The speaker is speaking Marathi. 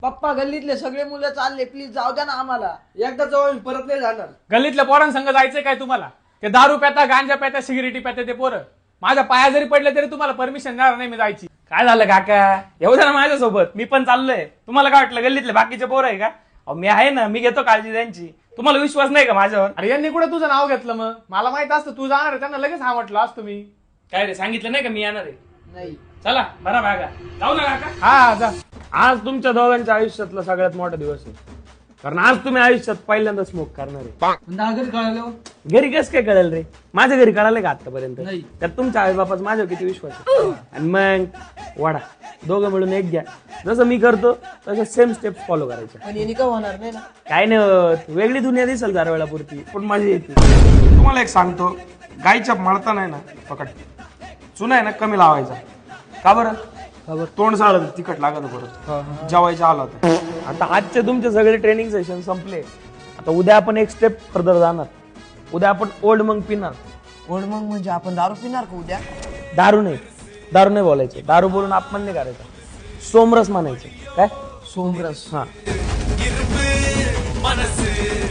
पप्पा गल्लीतले सगळे मुलं चालले, प्लीज जाऊ द्या ना आम्हाला. एकदा जाऊ परत नाही जाणार. गल्लीतल्या पोरांसंग जायचंय काय तुम्हाला? ते दारू प्याता, गांजा प्याता, सिगरेटी प्याता ते पोरं. माझ्या पाया जरी पडले तरी तुम्हाला परमिशन देणार नाही मी जायची. काय झालं काका, येऊ द्या ना माझ्यासोबत, मी पण चाललोय. तुम्हाला काय वाटलं गल्लीतले बाकीचे पोरं आहे का? मी आहे ना, मी घेतो काळजी त्यांची. तुम्हाला विश्वास नाही का माझ्यावर? अरे यांनी कुठे तुझं नाव घेतलं? मग मला माहित असतं तू जाणार आहे, त्यांना लगेच हा म्हटलं असतं मी. काय रे, सांगितलं नाही का मी येणार आहे? नाही. चला बरा भागा, जाऊ ना काका. हा जा. आज तुमच्या दोघांच्या आयुष्यातला सगळ्यात मोठा दिवस आहे, कारण आज तुम्ही आयुष्यात पहिल्यांदा स्मोक करणार आहे. घरी कळलं. घरी कसं काय कळेल रे? माझ्या घरी कळालं का आतापर्यंत? नाही. तर तुमच्या आई बापाच माझ्यावर किती विश्वास आहे. आणि मग वाडा दोघं मिळून एक घ्या, जसं मी करतो तसं सेम स्टेप्स फॉलो करायचे. पण यांनी का होणार नाही ना? काय नाही होत, वेगळी दुनिया दिसेल जरा वेळापुरती, पण मजा येते. तुम्हाला एक सांगतो, गायच्या मळता नाही ना पकड, चुना आहे ना कमी लावायचा. का बरं? तोंड साळत तिखट लागत परत जेवायचं आलं होतं. आता आजचे तुमचे सगळे ट्रेनिंग सेशन संपले. आता उद्या आपण एक स्टेप फर्दर जाणार. उद्या आपण ओल्ड मंग पिणार. ओढ मग म्हणजे आपण दारू पिणार का उद्या? दारू नाही बोलायचं. दारू बोलून अपमान नाही करायचा. सोमरस म्हणायचं. काय? सोमरस. हा. मनस